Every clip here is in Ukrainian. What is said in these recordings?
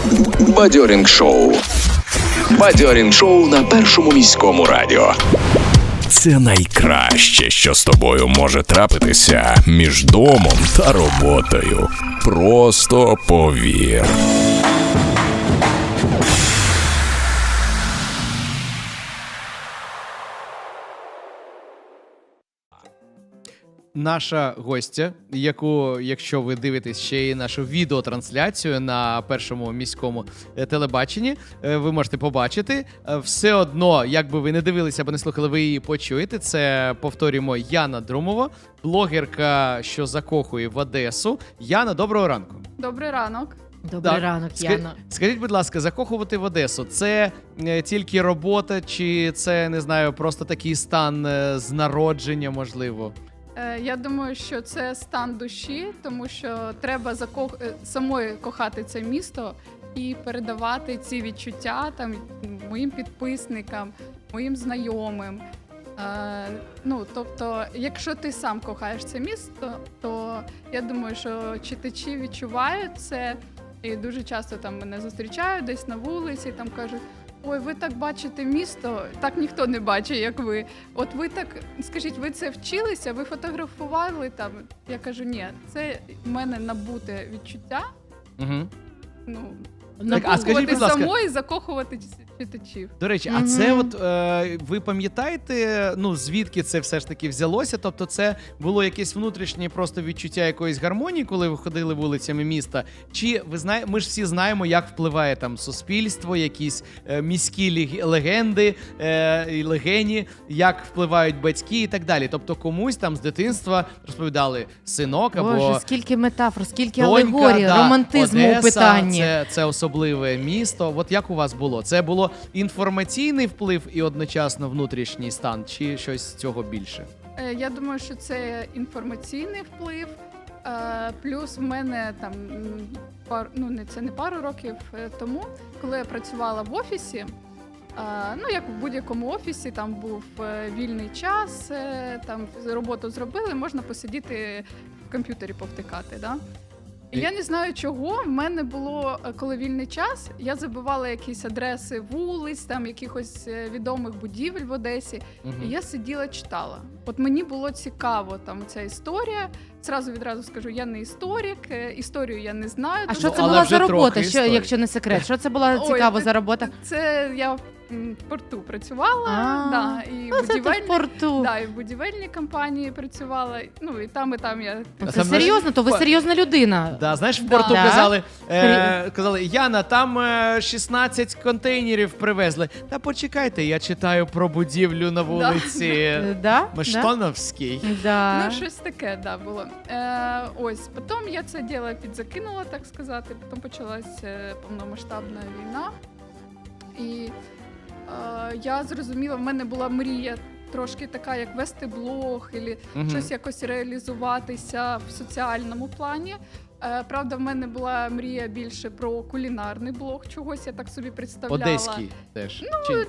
Бадьорінг-шоу. Бадьорінг-шоу на Першому міському радіо. Це найкраще, що з тобою може трапитися між домом та роботою. Просто повір. Наша гостя, яку, якщо ви дивитесь ще й нашу відеотрансляцію на Першому міському телебаченні, ви можете побачити. Все одно, як би ви не дивилися або не слухали, ви її почуєте. Це, повторюємо, Яна Друмова, блогерка, що закохує в Одесу. Яна, доброго ранку. Добрий ранок. Добрий ранок, Яна. Скажіть, будь ласка, закохувати в Одесу – це тільки робота, чи це, не знаю, просто такий стан з народження, можливо? Я думаю, що це стан душі, тому що треба самою кохати це місто і передавати ці відчуття там моїм підписникам, моїм знайомим. Тобто, якщо ти сам кохаєш це місто, то я думаю, що читачі відчувають це, і дуже часто там мене зустрічають десь на вулиці, там кажуть: ой, ви так бачите місто, так ніхто не бачить, як ви. От ви так, скажіть, ви це вчилися, ви фотографували там? Я кажу, ні, це в мене набуте відчуття. Угу. А скажіть, будь ласка, самої закохувати читачів. До речі, а це от ви пам'ятаєте, звідки це все ж таки взялося? Тобто це було якесь внутрішнє просто відчуття якоїсь гармонії, коли ви ходили вулицями міста? Чи ви знаєте, ми ж всі знаємо, як впливає там суспільство, якісь міські легенди і легені, як впливають батьки і так далі. Тобто комусь там з дитинства розповідали синок або Боже, скільки метафор, скільки донька, алегорій, романтизму Одеса, у питанні. Це особливе місто. От як у вас було? Це було інформаційний вплив і одночасно внутрішній стан, чи щось з цього більше? Я думаю, що це інформаційний вплив. Плюс в мене там це не пару років тому, коли я працювала в офісі, як в будь-якому офісі, там був вільний час, там роботу зробили, можна посидіти в комп'ютері повтикати, да? І я не знаю чого, в мене було, коли вільний час, я забивала якісь адреси вулиць, там якихось відомих будівель в Одесі, і я сиділа, читала. От мені було цікаво там ця історія. Відразу скажу, я не історик, історію я не знаю. А що це була за робота, якщо не секрет? Що це була цікаво за робота? Це я в порту працювала, і в будівельній компанії працювала, і там я... Це серйозно? То ви серйозна людина. Да, знаєш, в порту казали, Яна, там 16 контейнерів привезли. Та почекайте, я читаю про будівлю на вулиці Мештоновській. Щось таке, було. Потім я це діло підзакинула, так сказати, потім почалась повномасштабна війна. І я зрозуміла, в мене була мрія трошки така, як вести блог, або щось якось реалізуватися в соціальному плані. Правда, в мене була мрія більше про кулінарний блог, чогось я так собі представляла. Одеський теж?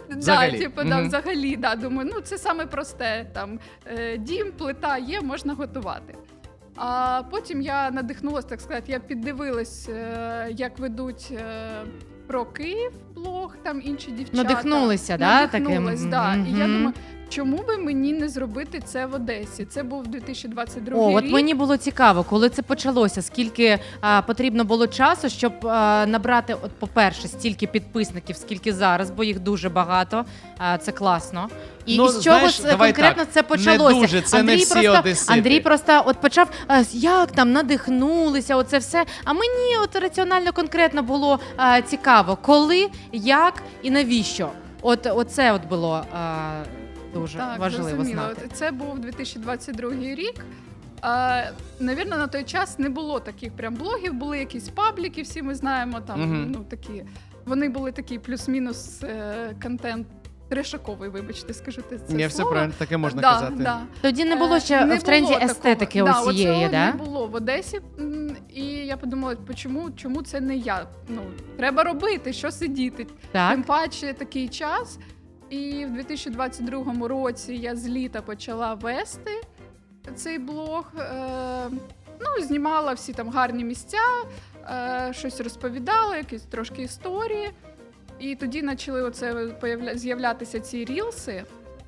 Взагалі, думаю, це саме просте, там дім, плита є, можна готувати. А потім я надихнулася, так сказати, я піддивилась, як ведуть про Київ блог, там інші дівчата. Надихнулися, Надихнулась, І я думаю, чому би мені не зробити це в Одесі? Це був 2022 рік. От мені було цікаво, коли це почалося, скільки потрібно було часу, щоб набрати, по-перше, стільки підписників, скільки зараз, бо їх дуже багато, це класно. І з чого конкретно це почалося? Не дуже, це не всі одесити. Андрій просто почав, як там надихнулися, оце все. А мені раціонально конкретно було цікаво, коли, як і навіщо. Оце було дуже важливо знати. Це був 2022 рік. Навірно, на той час не було таких прям блогів, були якісь пабліки, всі ми знаємо, там, такі. Вони були такі плюс-мінус контент трешаковий, вибачте, скажу це слово. Ні, все правильно, таке можна казати. Да. Тоді не було ще в тренді естетики усієї, не було в Одесі. І я подумала, чому це не я? Треба робити, що сидіти. Тим паче такий час. І в 2022 році я з літа почала вести цей блог. Знімала всі там гарні місця, щось розповідала, якісь трошки історії. І тоді почали з'являтися ці рілси.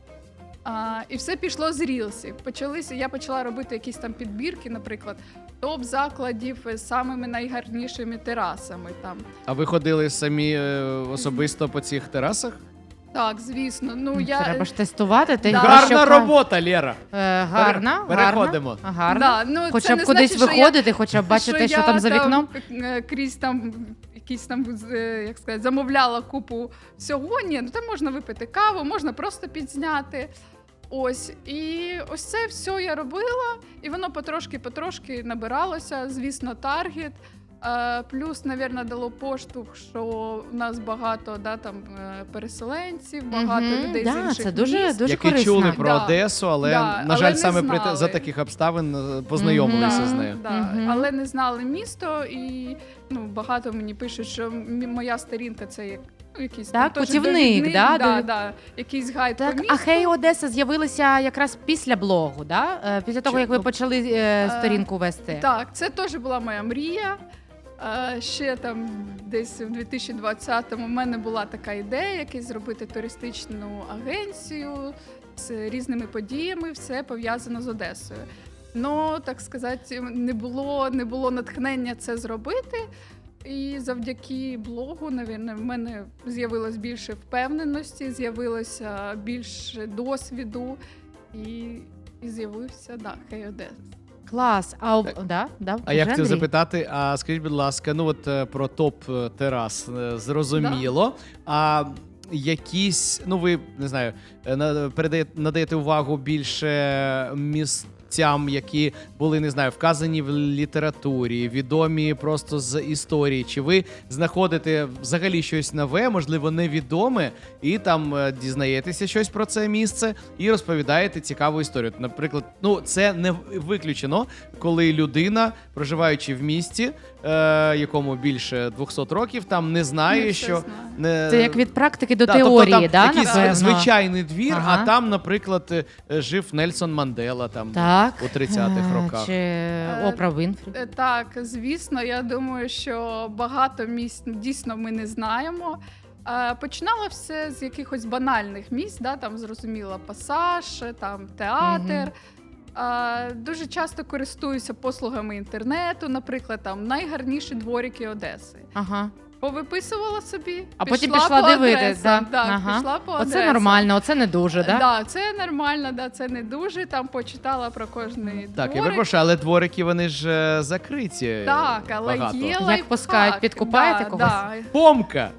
І все пішло з рілсів. Я почала робити якісь там підбірки, наприклад, топ-закладів з самими найгарнішими терасами. Там. А ви ходили самі особисто по цих терасах? Так, звісно. Треба ж тестувати. Ти Да. Гарна робота, Лєра. Гарна. Переходимо. Гарна. Да, Хоча це б не кудись значить, виходити, хоча б бачити, що там за вікном. Крізь там якісь там, як сказати, замовляла купу всього. Ні, там можна випити каву, можна просто підзняти. Ось. І ось це все я робила, і воно потрошки набиралося, звісно, таргет. Плюс, мабуть, дало поштовх, що в нас багато переселенців, багато людей з інших це дуже, міст. дуже Які корисно. чули про Одесу, але, на жаль, не саме знали. за таких обставин познайомилися з нею. Але не знали місто, і багато мені пишуть, що моя сторінка це як якийсь Так, теж путівник, довідник, да? якийсь гайд по Так, місту. а Хей Одеса з'явилися якраз після блогу, да? Після того, як ви почали сторінку вести. Так, це теж була моя мрія. Ще там десь в 2020-му в мене була така ідея, якось зробити туристичну агенцію з різними подіями, все пов'язано з Одесою. Так сказати, не було натхнення це зробити. І завдяки блогу, навірно, в мене з'явилось більше впевненості, з'явилося більше досвіду і з'явився, Хей Одеса. Клас. А я хотів запитати, скажіть, будь ласка, про топ-терас зрозуміло, а якісь, ви, не знаю, надаєте увагу більше місцям, які були, не знаю, вказані в літературі, відомі просто з історії, чи ви знаходите взагалі щось нове, можливо, невідоме, і там дізнаєтеся щось про це місце і розповідаєте цікаву історію. Наприклад, це не виключено, коли людина, проживаючи в місті, якому більше 200 років, там не знає, що... Це як від практики до тобто теорії, там якийсь напевно? звичайний двір, а там, наприклад, жив Нельсон Мандела там у 30-х роках. Чи Опра Вінфрі. Так, звісно, я думаю, що багато місць дійсно ми не знаємо. Починало все з якихось банальних місць, там зрозуміло Пасаж, там театр. Дуже часто користуюся послугами інтернету, наприклад, там найгарніші дворики Одеси. Ага. Повиписувала собі, а потім пішла дивитися. Пішла по адресам. Оце нормально, оце не дуже, да? Так, це нормально, це не дуже. Там почитала про кожний дворик. Так, я перепрошую, але дворики, вони ж закриті. Так, але багато. є Як лайфхак. пускають, підкупаєте когось? Помка!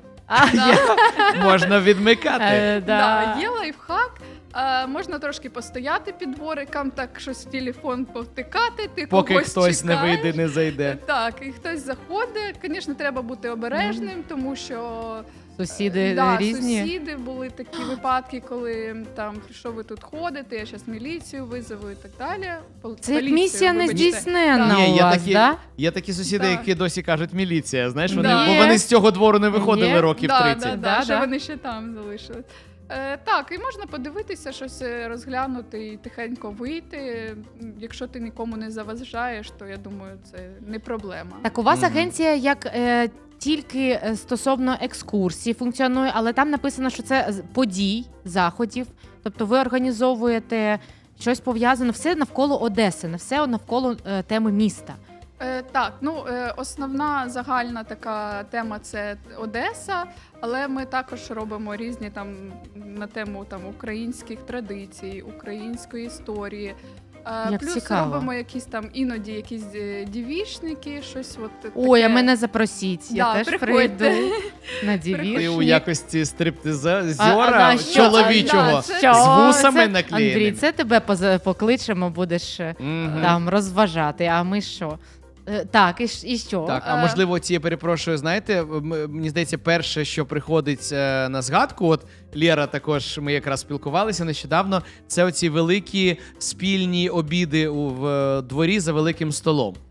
Можна відмикати. Є лайфхак. Можна трошки постояти під двориком, так щось в телефон повтикати, ти поки когось хтось чекаєш. не вийде, не зайде. Так, і хтось заходить. Звісно, треба бути обережним, тому що Сусіди різні. Сусіди були такі випадки, коли там, що ви тут ходите, я зараз міліцію визову і так далі. Це як місія нездійсненна Ні, у вас, да? Є такі сусіди, Так. які досі кажуть міліція, знаєш, Да. бо вони з цього двору не виходили Є. років 30. Да, що вони ще там залишились. Так, і можна подивитися, щось розглянути і тихенько вийти. Якщо ти нікому не заважаєш, то я думаю, це не проблема. Так, у вас агенція як тільки стосовно екскурсій функціонує, але там написано, що це подій, заходів. Тобто ви організовуєте щось пов'язане, все навколо Одеси, не все навколо теми міста. Так, основна загальна така тема – це Одеса, але ми також робимо різні там на тему українських традицій, української історії. Плюс цікаво. робимо іноді якісь дівічники, щось таке. Ой, а мене запросіть, я теж приходьте. прийду на Ти у дівішник. якості стриптизера що? чоловічого Що? з вусами Андрій, наклеєними. це тебе покличемо, будеш там розважати, а ми що? Так, і що? Так, а можливо, я перепрошую, знаєте, мені здається, перше, що приходить на згадку, от Лєра також, ми якраз спілкувалися нещодавно, це оці великі спільні обіди в дворі за великим столом.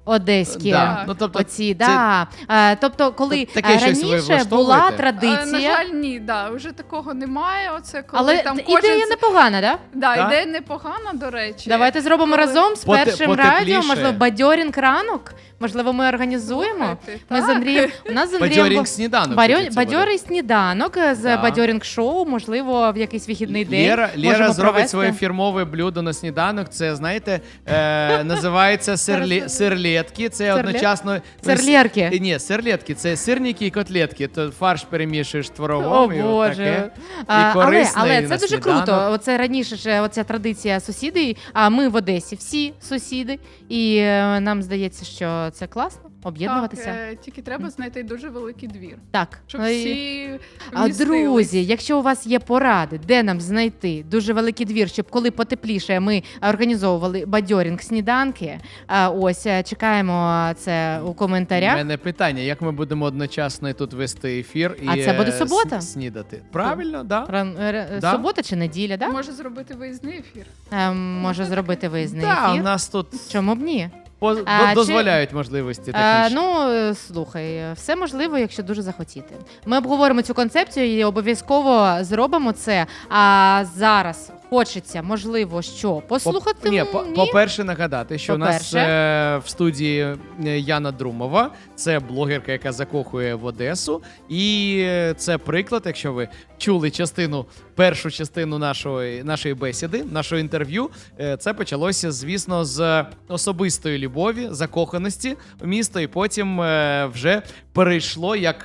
одеські. Да. Ну, тобто, Оці, да. Тобто, коли таке щось ви раніше була влаштовуєте? На традиція, жаль, ні, вже такого немає. Оце коли але там ідея непогана, да? Да? ідея непогана, до речі. Давайте зробимо Коли- разом з першим Потепліше. радіо, можливо, бадьорінг ранок. Можливо, ми організуємо. Слухайте, Ми з так. Андрієм. У нас з Андрієм Бадьорінг сніданок. таки це бадьорий сніданок з Да. бадьорінг шоу. Можливо, в якийсь вихідний день. Лєра можемо зробить провести. своє фірмове блюдо на сніданок. Це, знаєте, називається сирлетки. Це одночасно... Серлєрки. Ні, сирлетки. Це сирники і котлетки. То фарш перемішуєш творогом. О, і Боже. таке. А, І корисне, але і це на дуже сніданок. круто. Оце раніше ж оця традиція сусідів. А ми в Одесі всі сусіди. І нам здається, що це класно об'єднуватися. Так, тільки треба знайти дуже великий двір, Так. щоб Ну, і- всі А вмістились. друзі, якщо у вас є поради, де нам знайти дуже великий двір, щоб коли потепліше ми організовували бадьорінг сніданки. Ось чекаємо це у У коментарях. мене питання, як ми будемо одночасно і тут вести ефір і А це буде субота? снідати? Правильно, да? Да? Субота чи неділя, да? Може зробити виїзний ефір. Може зробити виїзний Да, у ефір. нас тут Чому б ні? чи- дозволяють можливості технічні. Слухай, все можливо, якщо дуже захотіти. Ми обговоримо цю концепцію і обов'язково зробимо це. А зараз хочеться, можливо, що послухати. Ні, по-перше, нагадати, що у нас По-перше. в студії Яна Друмова, це блогерка, яка закохує в Одесу. І це приклад, якщо ви чули першу частину нашої бесіди, нашого інтерв'ю. Це почалося, звісно, з особистої любові, закоханості в місто, і потім вже перейшло, як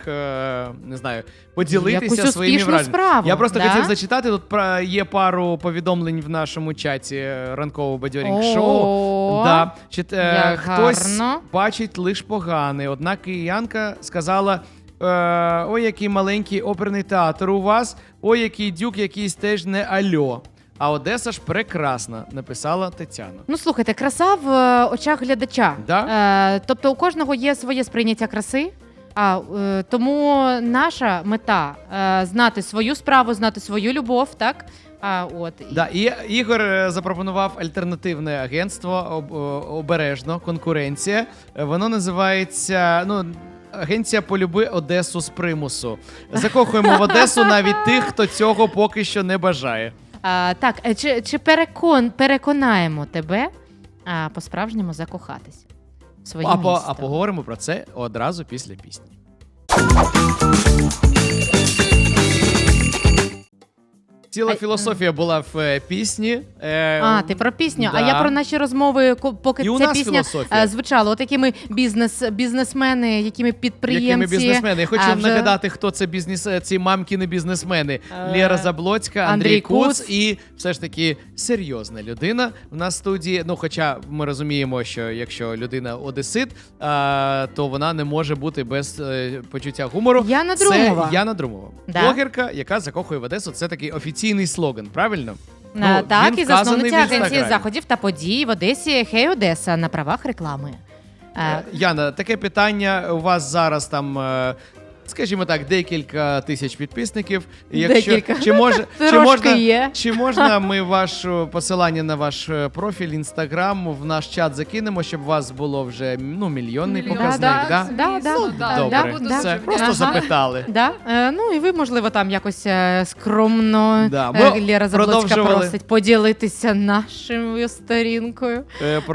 не знаю, поділитися Якусь своїми успішну враженнями. справу, Я просто да? хотів зачитати. Тут є пару повідомлень в нашому чаті ранкового бадьорінг шоу. О, Да. як Хтось гарно. бачить лиш погане. Одна киянка сказала: ой, який маленький оперний театр у вас, ой, який дюк, якийсь теж не альо. А Одеса ж прекрасна, написала Тетяна. Ну, слухайте, краса в очах глядача. Да? Тобто у кожного є своє сприйняття краси. Тому наша мета знати свою справу, знати свою любов, так? Да, і Ігор запропонував альтернативне агентство обережно, конкуренція. Воно називається Агенція «Полюби Одесу з примусу». Закохуємо в Одесу навіть тих, хто цього поки що не бажає. Так, чи переконаємо тебе по-справжньому закохатись в своє місто? А поговоримо про це одразу після пісні. Ціла філософія була в пісні. Ти про пісню. Да. А я про наші розмови, поки І у ця нас пісня філософія. звучала. Отакими бізнесмени, якими підприємці. Якими бізнесмени? Я хочу вже- нагадати, хто це ці мамкіни бізнесмени. Лєра Заблоцька, Андрій Андрій Куц Куц. і все ж таки серйозна людина в нас в студії. Хоча ми розуміємо, що якщо людина одесит, то вона не може бути без почуття гумору. Яна Друмова. Це Яна Друмова. Да. Блогерка, яка закохує в Одесу. Це такий офіційний слоган, правильно? Так, він і вказаний засновниця в агенції Інстаграмі. заходів та подій в Одесі «Хей Одеса» на правах реклами. Яна, таке питання. У вас зараз там, скажімо так, декілька тисяч підписників. Декілька. Чи є. Чи можна ми ваше посилання на ваш профіль Інстаграм в наш чат закинемо, щоб у вас було вже мільйонний показник? Да? звісно, Да, Добре, буду да. все, дуже просто вдячна. запитали. Да? І ви, можливо, там якось скромно Да, ми Лєра Заблоцька продовжували. просить поділитися нашою сторінкою.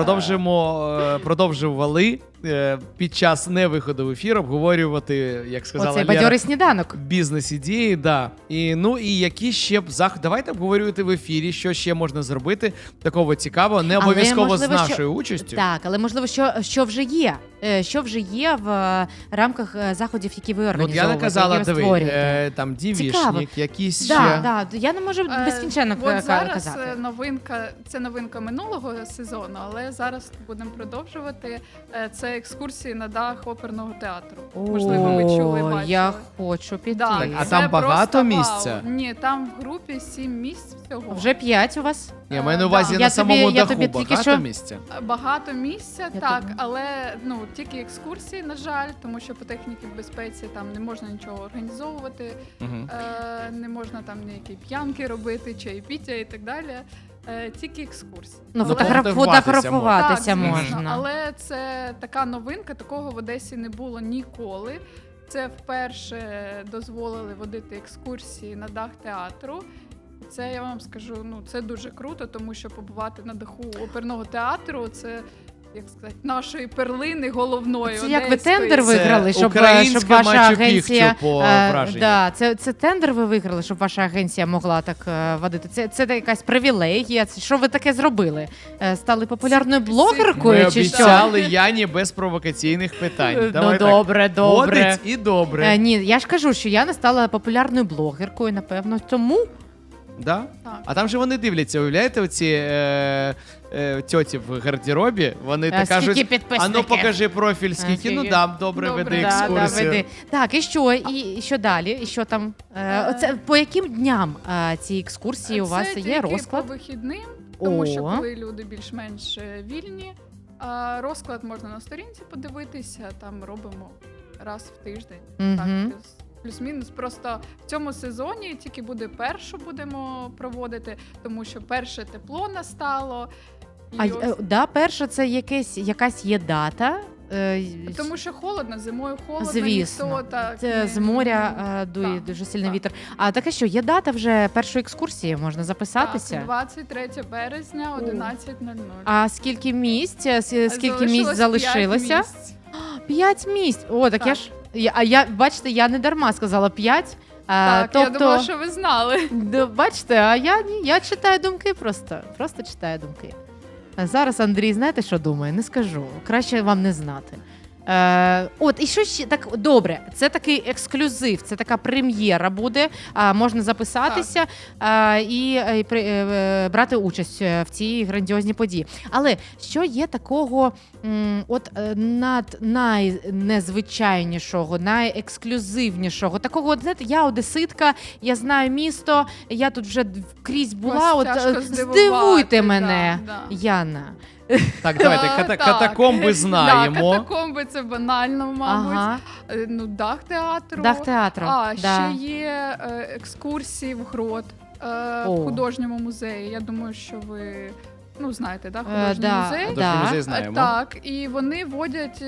Продовжували під час невиходу в ефір обговорювати, як сказала Оцей Лєра, бадьорий сніданок. бізнес-ідеї, да. І які ще б давайте обговорювати в ефірі, що ще можна зробити такого цікавого, не обов'язково можливо, з нашою участю. Так, але можливо, що вже є. Що вже є в рамках заходів, які ви От організовуєте, я казала, які ви диви, створюєте. там Цікаво. дівішник, якісь Да, ще. я не можу безкінченно От зараз казати. це новинка минулого сезону, але зараз будемо продовжувати. Це екскурсії на дах оперного театру. Можливо, ви чули, бачили. Я хочу піти. Да, Так, а це там багато просто місця? вау. Ні, там в групі 7 місць всього. Вже 5 у вас? Ні, маю на увазі Да. на самому я даху тобі тільки багато що- місця. Багато місця, Я так, тобі- але тільки екскурсії, на жаль, тому що по техніці безпеці там не можна нічого організовувати, Мгм. не можна там ніякі п'янки робити, чайпіття і так далі. Тільки екскурсії. Ну, фотографуватися фотографуватися Так, звісно, можна. але це така новинка, такого в Одесі не було ніколи. Це вперше дозволили водити екскурсії на дах театру. Це, я вам скажу, ну це дуже круто, тому що побувати на даху оперного театру – це, як сказати, нашої перлини головної. Це як ви одеської. тендер виграли, щоб українська ваша Мачу агенція Пікчу по враженню. да, це тендер ви виграли, щоб ваша агенція могла так водити. Це якась привілегія. Це що ви таке зробили? Стали популярною Ми блогеркою чи що? обіцяли Яні без провокаційних питань. Ну Давай так. добре. Водить і добре. Ні, я ж кажу, що я не стала популярною блогеркою, напевно, тому. Да? Так. А там же вони дивляться, уявляєте, оці тьоті в гардеробі, вони так Скільки кажуть, підписників? а ну покажи профіль, скільки, Скільки? ну да, добре, Добре. веди Да, екскурсію. веди. Так, і що? І що далі? І що там? Оце, по яким дням ці екскурсії у вас Це є тільки розклад? по вихідним, тому що О. коли люди більш-менш вільні, розклад можна на сторінці подивитися, там робимо раз в тиждень. Мгм. Так, плюс-мінус. Просто в цьому сезоні тільки буде першу будемо проводити, тому що перше тепло настало. І ось- Перше, це якась є дата. тому що холодно, зимою холодно, Звісно. ніхто так Це не- з моря дує Так, дуже сильний так. вітер. А таке що, є дата вже першої екскурсії, можна записатися? Так, 23 березня, 11:00. А скільки місць? Скільки місць Залишилось залишилося? 5 місць. 5 місць. О, так я Так. ж. Бачите, я не дарма сказала 5. Так, тобто, я думала, що ви знали. бачите, а я ні, я читаю думки просто читаю думки. А зараз Андрій, знаєте, що думає? Не скажу. Краще вам не знати. І що ще так добре, це такий ексклюзив, це така прем'єра буде. Можна записатися і брати участь в цій грандіозній події. Але що є такого найнезвичайнішого, найексклюзивнішого? Такого, знаєте, я одеситка, я знаю місто, я тут вже крізь була. Вас тяжко здивувати, Здивуйте мене, да. Яна. Так, давайте, Так. катакомби знаємо. Да, катакомби це банально, мабуть. Ага. Дах театру. Дах театру. А, да. ще є екскурсії в грот О. в художньому музеї. Я думаю, що ви знаєте, да, художній Да, музей. Художній музей знаємо. Так, і вони водять,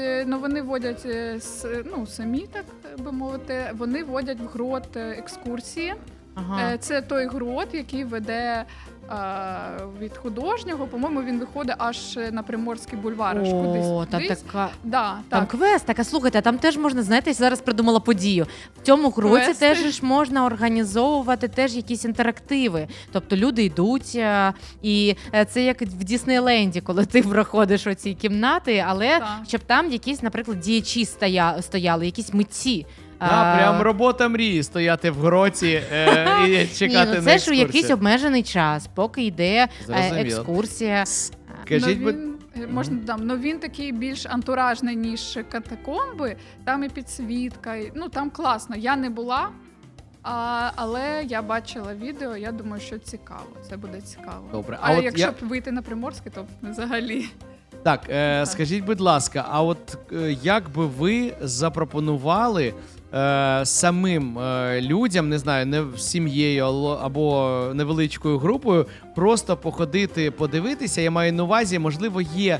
самі, так би мовити, вони водять в грот екскурсії. Ага. Це той грот, який веде від художнього, по-моєму, він виходить аж на Приморський бульвар, аж О, там кудись. така. Да, Там так. квест, так, а слухайте, а там теж можна, знаєте, я зараз придумала подію. В цьому гроці Квести. теж ж можна організовувати теж якісь інтерактиви. Тобто люди йдуть, і це як в Діснейленді, коли ти проходиш оці кімнати, але Так. щоб там якісь, наприклад, діячі стояли, якісь митці. Да, прям робота мрії стояти в гроті і чекати ну, на це ж у якийсь екскурсію. обмежений час, поки йде Зрозуміло. екскурсія. Скажіть, Він такий більш антуражний, ніж катакомби. Там і підсвітка, там класно. Я не була, але я бачила відео, я думаю, що цікаво. Це буде цікаво. Добре, А от якщо я- б вийти на Приморське, то взагалі. Так, скажіть, будь ласка, а от як би ви запропонували самим людям, не знаю, не сім'єю або невеличкою групою, просто походити, подивитися? Я маю на увазі, можливо, є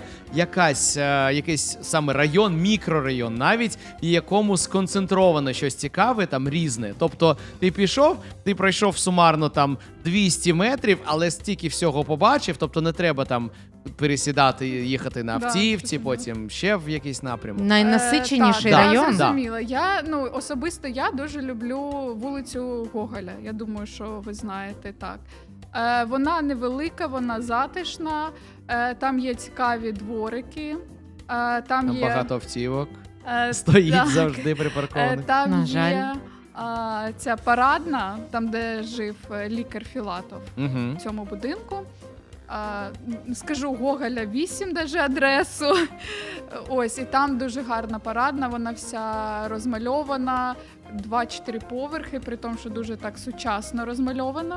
якийсь саме район, мікрорайон навіть, в якому сконцентровано щось цікаве, там різне. Тобто ти пішов, ти пройшов сумарно там 200 метрів, але стільки всього побачив, тобто не треба там пересідати, їхати на Да, автівці, зрозуміло. потім ще в якийсь напрямок. Найнасиченіший Так, район. Я зрозуміла. Особисто я дуже люблю вулицю Гоголя. Я думаю, що ви знаєте так. Вона невелика, вона затишна, там є цікаві дворики, там є Багато автівок е, стоїть так. завжди припаркованих. Там На є жаль. ця парадна, там де жив лікар Філатов Угу. в цьому будинку. Скажу Гоголя 8, даже адресу. Ось, і там дуже гарна парадна, вона вся розмальована, 2-4 поверхи, при тому, що дуже так сучасно розмальована.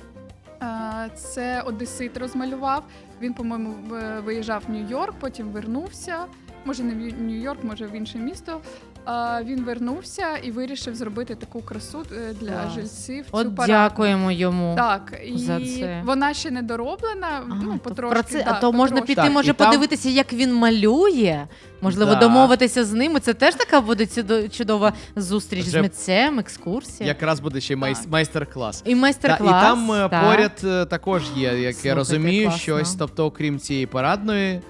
Це одесит розмалював. Він, по-моєму, виїжджав в Нью-Йорк, потім вернувся. Може, не в Нью-Йорк, може в інше місто. Він вернувся і вирішив зробити таку красу для Клас. жильців. От цю парадну. дякуємо йому. Так, і за це. вона ще не дороблена, То потрошки. про це, да, а то можна потрошки. піти, Так, може і там- подивитися, як він малює. Можливо, Да. домовитися з ними. Це теж така буде чудова зустріч Вже з митцем, екскурсія. Якраз буде ще й майстер-клас. І майстер-клас. І там так. поряд також є, як я Слухайте, розумію, класно. щось, тобто, окрім цієї парадної.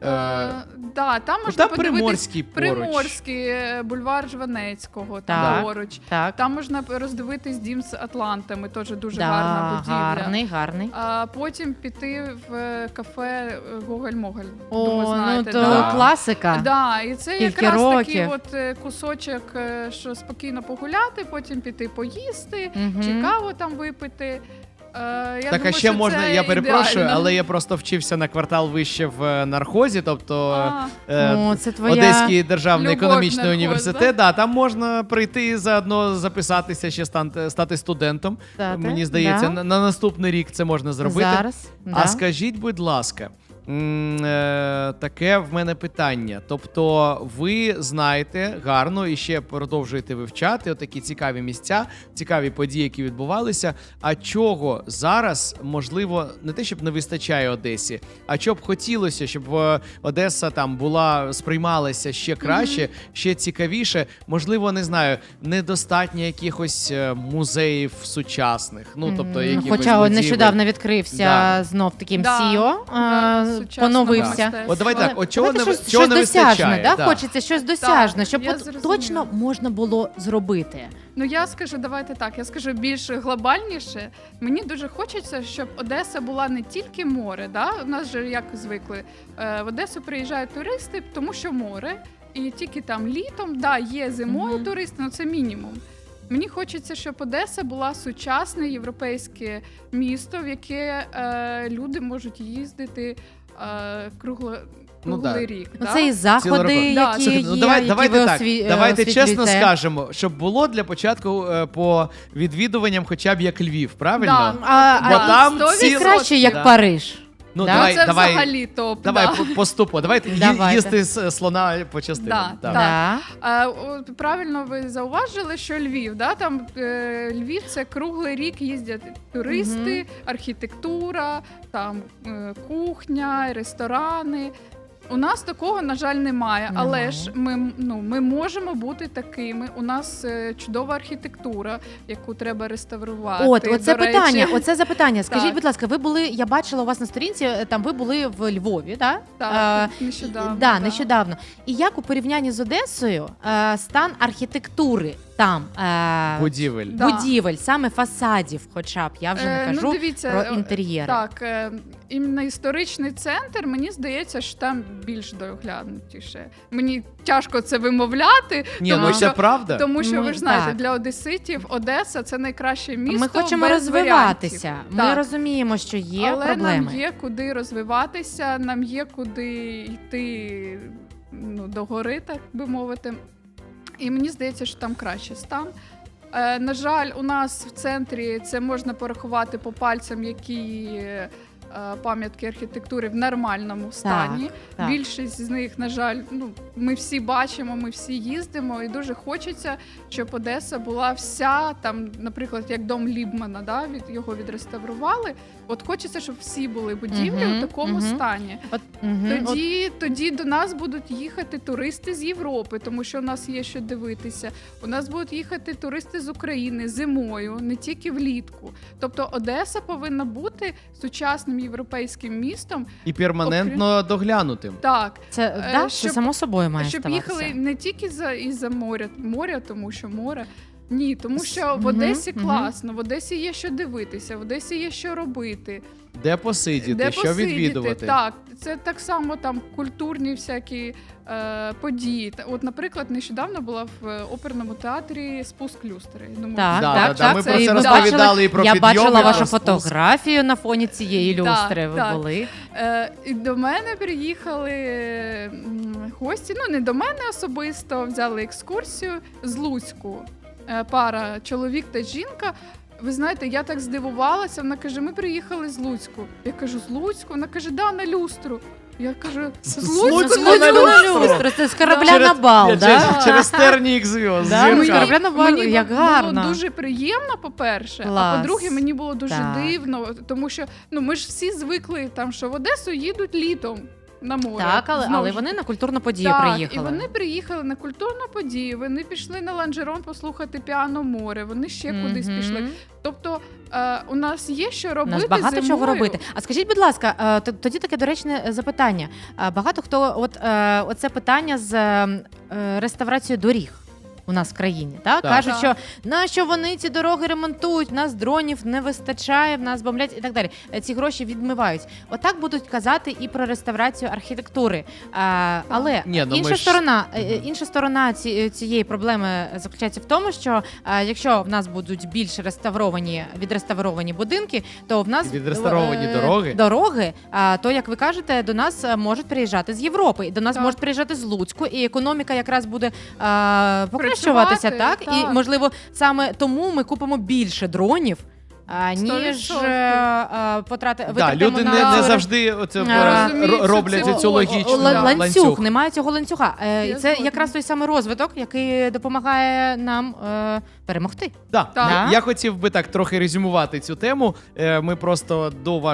Да, там Ну, можна там подивитись Приморський поруч. Приморський, бульвар Жванецького, Так. там поруч. Так. Там можна роздивитись дім з Атлантами, теж дуже Да, гарна будівля. гарний. А потім піти в кафе Гоголь-Моголь. О, Думаю, знаєте, то да. класика. Да, і це Скільки якраз такий років. кусочок, що спокійно погуляти, потім піти поїсти, Мгм. чи каву там випити. Я Так, а думаю, ще що можна, це я перепрошую, ідеально. але я просто вчився на квартал вище в нархозі, тобто О, це твоя Одеський державний любов економічний нархоз, університет. Да, там можна прийти і заодно записатися, ще стати студентом. Стати, Мені здається, да. на наступний рік це можна зробити. зараз. А скажіть, будь ласка, таке в мене питання. Тобто, ви знаєте гарно і ще продовжуєте вивчати отакі цікаві місця, цікаві події, які відбувалися. А чого зараз, можливо, не те, щоб не вистачає Одесі, а що б хотілося, щоб Одеса там сприймалася ще краще, ще цікавіше. Можливо, не знаю, недостатньо якихось музеїв сучасних. Ну, тобто, якихось Хоча будівель. нещодавно відкрився Да. знов таким Да. CEO, Сучасного поновився. мистецтва. От давай так, от чого Давайте не, щось, чого не щось досяжне, вистачає? да? Да. Хочеться щось досяжне, щоб я от зрозуміла. точно можна було зробити. Ну я скажу, давайте так. Я скажу більш глобальніше. Мені дуже хочеться, щоб Одеса була не тільки море. Да? У нас же як звикли в Одесу приїжджають туристи, тому що море, і тільки там літом, да, є зимою туристи, але це мінімум. Мені хочеться, щоб Одеса була сучасне європейське місто, в яке люди можуть їздити круглий рік. Ну, да? це і заходи, року. які Да, є, Ну, давайте які так. ви Давайте чесно освітлюєте. скажемо, щоб було для початку по відвідуванням хоча б як Львів, правильно? Да. Бо там і ці- І краще, як Да. Париж. Ну, Да? давай, це давай, взагалі топ. давай да. поступо. Давайте Давайте. їсти слона по частинам. Да, Так. Да. От правильно ви зауважили, що Львів, да, там Львів це круглий рік їздять туристи, архітектура, там кухня, ресторани. У нас такого, на жаль, немає, але ж ми можемо бути такими. У нас чудова архітектура, яку треба реставрувати. Оце До речі. питання, оце запитання. Скажіть, Так. будь ласка, ви були, я бачила у вас на сторінці, там ви були в Львові, так? Так, нещодавно. Да, нещодавно. І як у порівнянні з Одесою стан архітектури там Будівель. Да. будівель, саме фасадів, хоча б я вже не кажу дивіться, про інтер'єри. Так, іменно історичний центр, мені здається, що там більш доглянутіше. Мені тяжко це вимовляти, Ні, тому ну що це правда. Тому що ви ж знаєте, так. для одеситів Одеса це найкраще місто. Ми хочемо без розвиватися. варіантів. Ми Так. розуміємо, що є Але проблеми. нам є куди розвиватися, нам є куди йти до гори, так би мовити. І мені здається, що там краще стан. На жаль, у нас в центрі це можна порахувати по пальцям, які пам'ятки архітектури в нормальному стані. так. Більшість з них, на жаль, ми всі бачимо, ми всі їздимо, і дуже хочеться, щоб Одеса була вся, там, наприклад, як дом Лібмана, да, його відреставрували. От хочеться, щоб всі були будівлі у такому стані. Тоді до нас будуть їхати туристи з Європи, тому що у нас є що дивитися. У нас будуть їхати туристи з України зимою, не тільки влітку. Тобто Одеса повинна бути сучасним європейським містом. І перманентно доглянутим. Так, Це, це щоб- само собою має щоб ставатися. їхали не тільки із-за моря, тому що море. Ні, тому що в Одесі класно, в Одесі є що дивитися, в Одесі є що робити. Де посидіти, Де що посидіти, відвідувати. Так, це так само там культурні всякі події. От, наприклад, нещодавно була в оперному театрі «Спуск люстри». Думаю, Так, Да, так, да, ми так. про І це ми розповідали бачили- і про Я підйоми, бачила про вашу спуск. фотографію на фоні цієї люстри. Ви так. були. І до мене приїхали гості, не до мене особисто, взяли екскурсію з Луцьку. Пара, чоловік та жінка. Ви знаєте, я так здивувалася, вона каже, ми приїхали з Луцьку. Я кажу, з Луцьку? Вона каже, да, на люстру. Я кажу, З з Луцьку Луцьку на на люстру. люстру. Це з корабля на бал, Ні, да? через тернік зв'язок. Да, зірка. з корабля на бал, Мені як було гарно. дуже приємно, по-перше, Клас. а по-друге, мені було дуже Так. дивно, тому що ми ж всі звикли там, що в Одесу їдуть літом на море. Так, але Знову ж вони на культурну подію так, приїхали. і вони приїхали на культурну подію, вони пішли на Ланжерон послухати піано море, вони ще кудись Мгм. пішли. Тобто у нас є що У робити нас багато зимою. чого робити. А скажіть, будь ласка, тоді таке доречне запитання. Багато хто, оце питання з реставрацією доріг у нас в країні, так? Так. Кажуть, Так. що нащо вони ці дороги ремонтують, в нас дронів не вистачає, в нас бомблять і так далі. Ці гроші відмивають. Отак будуть казати і про реставрацію архітектури. Але Ні, ну, інша ми ж- сторона, інша сторона цієї проблеми заключається в тому, що якщо в нас будуть більш відреставровані будинки, то в нас І відреставровані дороги. дороги, то як ви кажете, до нас можуть приїжджати з Європи, і до нас Так. можуть приїжджати з Луцьку, і економіка якраз буде покращуватися, Працювати, так? І так. можливо саме тому ми купимо більше дронів. Ніж 100%. потрати Да, люди на- не завжди оце розуміють, роблять що цю логічну ланцюг. ланцюг. Немає цього ланцюга. І Я це згодна. якраз той самий розвиток, який допомагає нам перемогти. Да. Так. Я хотів би так трохи резюмувати цю тему. Ми просто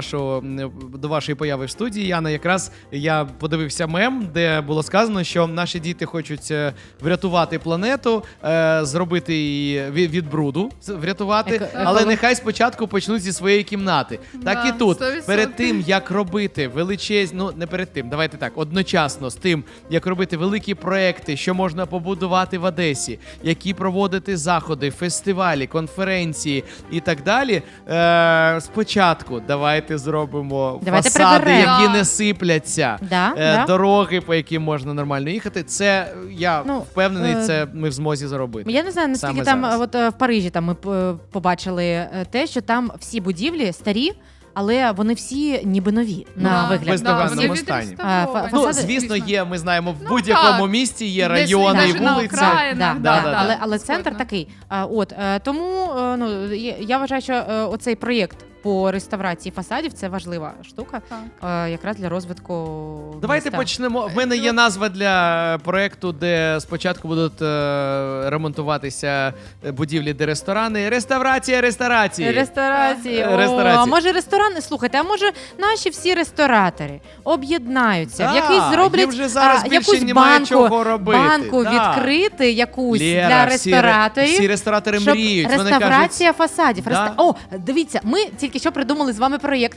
до вашої появи в студії, Яна, якраз я подивився мем, де було сказано, що наші діти хочуть врятувати планету, зробити її від бруду, врятувати, але нехай спочатку почнуть зі своєї кімнати. Так Да, і тут. 100%. Перед тим, як робити величезні, ну не перед тим, давайте так, одночасно з тим, як робити великі проекти, що можна побудувати в Одесі, які проводити заходи, фестивалі, конференції і так далі. Спочатку давайте зробимо Давайте фасади, приберемо. які Да. не сипляться, Да. дороги, по яким можна нормально їхати. Це я Ну, впевнений, це ми в змозі зробити. Я не знаю, наскільки Саме там зараз. в Парижі там ми побачили те, що там всі будівлі старі, але вони всі ніби нові на Да, вигляд. бездоганному вони стані. відреставровані. Ну, фасади- звісно, є, ми знаємо, в Ну, будь-якому так. місті є Десь райони і навіть на вулиці. окраїнах, Да. Але центр Згодна. такий. Тому я вважаю, що оцей проєкт по реставрації фасадів це важлива штука, Так. якраз для розвитку. Давайте міста. почнемо. В мене є назва для проекту, де спочатку будуть ремонтуватися будівлі, де ресторани. Реставрація ресторації. Ресторації. Ресторації. А може ресторани? Слухайте, а може наші всі ресторатори об'єднаються, Да, в якийсь зроблять їм вже зараз більше якусь немає банку, чого робити. банку Да. відкрити якусь Лєра, для всі рестораторів. всі ресторатори Щоб мріють. Вони кажуть, реставрація фасадів. Да. О, дивіться, ми тільки що придумали з вами проєкт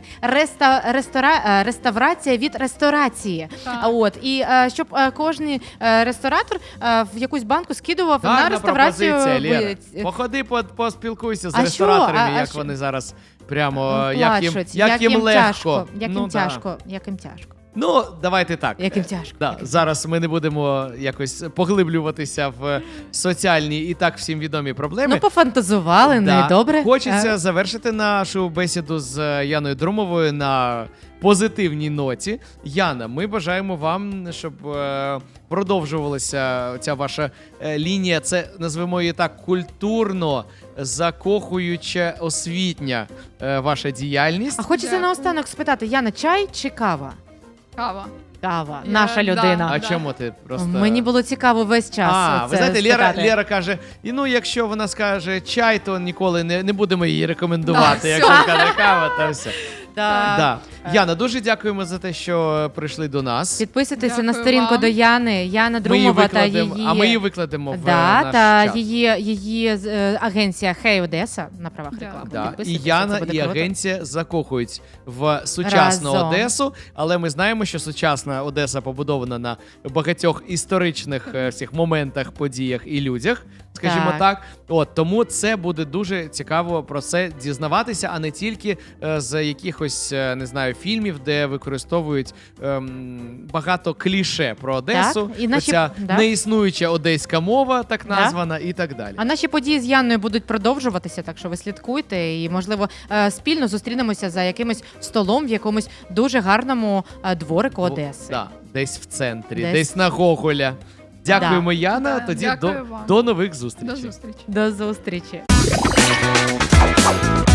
реставрація від ресторації. Так. І щоб кожен ресторатор в якусь банку скидував на гарна реставрацію. пропозиція, Лєра. Походи, поспілкуйся з А що? рестораторами, А як що? вони зараз прямо, плачуть, як їм легко. тяжко, як Ну, їм да. тяжко, як їм тяжко. Ну, давайте так. Як їм тяжко. Да, зараз ми не будемо якось поглиблюватися в соціальні і так всім відомі проблеми. Ну, пофантазували, ну і добре. Хочеться завершити нашу бесіду з Яною Друмовою на позитивній ноті. Яна, ми бажаємо вам, щоб продовжувалася ця ваша лінія. Це, назвемо її так, культурно закохуюча освітня ваша діяльність. А хочеться Дякую. наостанок спитати, Яна, чай чи кава? Кава. Кава, Я- наша да. людина. А Да. чому ти просто... Мені було цікаво весь час. ви знаєте, спитати. Лєра каже, і ну, якщо вона скаже чай, то ніколи не будемо її рекомендувати. Да, Якщо все. каже кава, то все. Да. Да. Яна, дуже дякуємо за те, що прийшли до нас. Підписуйтеся Дякую на сторінку вам. до Яни. Яна Ми її Друмова та викладемо, її... а ми її викладемо в Да, наш та чат. її агенція Хей Одеса на правах Да. реклами. Да. І Підписуйтеся, Яна, це буде і круто. агенція закохують в сучасну Разом. Одесу, але ми знаємо, що сучасна Одеса побудована на багатьох історичних всіх моментах, подіях і людях, скажімо так. Тому це буде дуже цікаво про це дізнаватися, а не тільки з якихось, не знаю, фільмів, де використовують багато кліше про Одесу, Так, і наші- оця да. неіснуюча одеська мова, так Да. названа, і так далі. А наші події з Янною будуть продовжуватися, так що ви слідкуйте і, можливо, спільно зустрінемося за якимось столом в якомусь дуже гарному дворику Одеси. Да, десь в центрі, Десь. десь на Гоголя. Дякуємо, Яна. Да, Тоді дякую вам. до нових зустрічей. До зустрічі. До зустрічі.